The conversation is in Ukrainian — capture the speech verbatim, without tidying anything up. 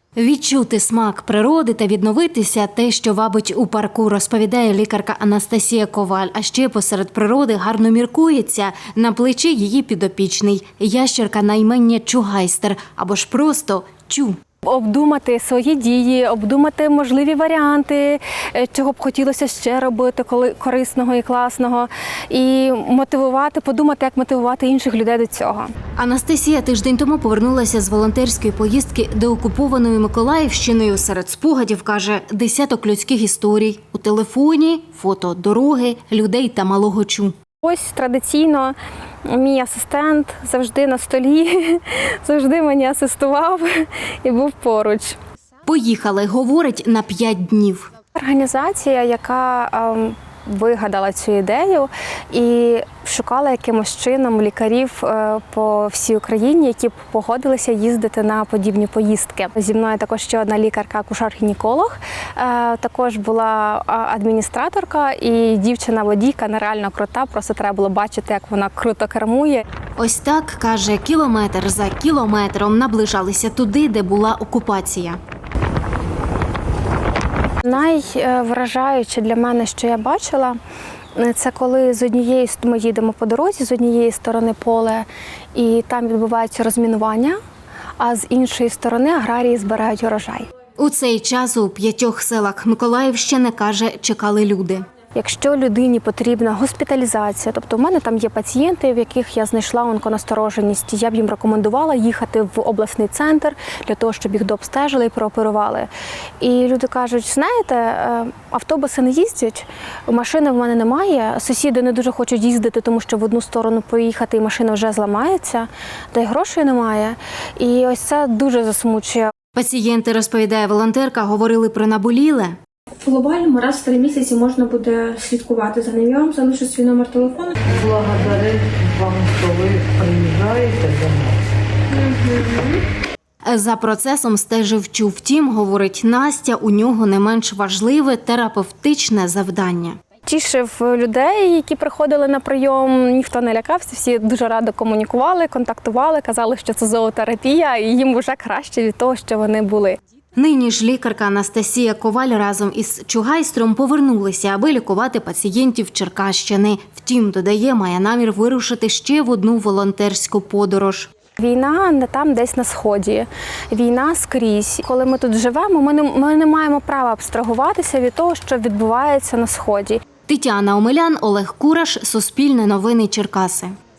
Відчути смак природи та відновитися – те, що вабить у парку, розповідає лікарка Анастасія Коваль. А ще посеред природи гарно міркується. На плечі її підопічний – ящерка на ім'я Чугайстер або ж просто Чу. Обдумати свої дії, обдумати можливі варіанти, чого б хотілося ще робити корисного і класного, і мотивувати, подумати, як мотивувати інших людей до цього. Анастасія тиждень тому повернулася з волонтерської поїздки деокупованою Миколаївщиною. Серед спогадів, каже, десяток людських історій. У телефоні – фото дороги, людей та малого Чу. Ось традиційно мій асистент завжди на столі, завжди мені асистував і був поруч. Поїхали, говорить, на п'ять днів. Організація, яка ем, вигадала цю ідею і шукала якимось чином лікарів по всій Україні, які б погодилися їздити на подібні поїздки. Зі мною також ще одна лікарка, акушер-гінеколог, також була адміністраторка і дівчина-водійка, нереально крута, просто треба було бачити, як вона круто кермує. Ось так, каже, кілометр за кілометром наближалися туди, де була окупація. Найвражаюче для мене, що я бачила, це коли з однієї ми їдемо по дорозі, з однієї сторони поле, і там відбувається розмінування, а з іншої сторони аграрії збирають урожай. У цей час у п'ятьох селах Миколаївщини, каже, чекали люди. Якщо людині потрібна госпіталізація, тобто в мене там є пацієнти, в яких я знайшла онконастороженість, я б їм рекомендувала їхати в обласний центр для того, щоб їх дообстежили і прооперували. І люди кажуть, знаєте, автобуси не їздять, машини в мене немає, сусіди не дуже хочуть їздити, тому що в одну сторону поїхати і машина вже зламається, та й грошей немає. І ось це дуже засмучує. Пацієнти, розповідає волонтерка, говорили про наболіле. В глобальному раз в три місяці можна буде слідкувати за ним. Я вам залишу свій номер телефону. Благодарю вам, що ви приїжджаєте до нас. За процесом стежив Чу. Втім, говорить Настя, у нього не менш важливе терапевтичне завдання. Тішив людей, які приходили на прийом, ніхто не лякався, всі дуже радо комунікували, контактували, казали, що це зоотерапія, і їм вже краще від того, що вони були. Нині ж лікарка Анастасія Коваль разом із Чугайстром повернулися, аби лікувати пацієнтів Черкащини. Втім, додає, має намір вирушити ще в одну волонтерську подорож. Війна не там десь на Сході, війна скрізь. Коли ми тут живемо, ми не, ми не маємо права абстрагуватися від того, що відбувається на Сході. Тетяна Омелян, Олег Кураш, Суспільне новини Черкаси.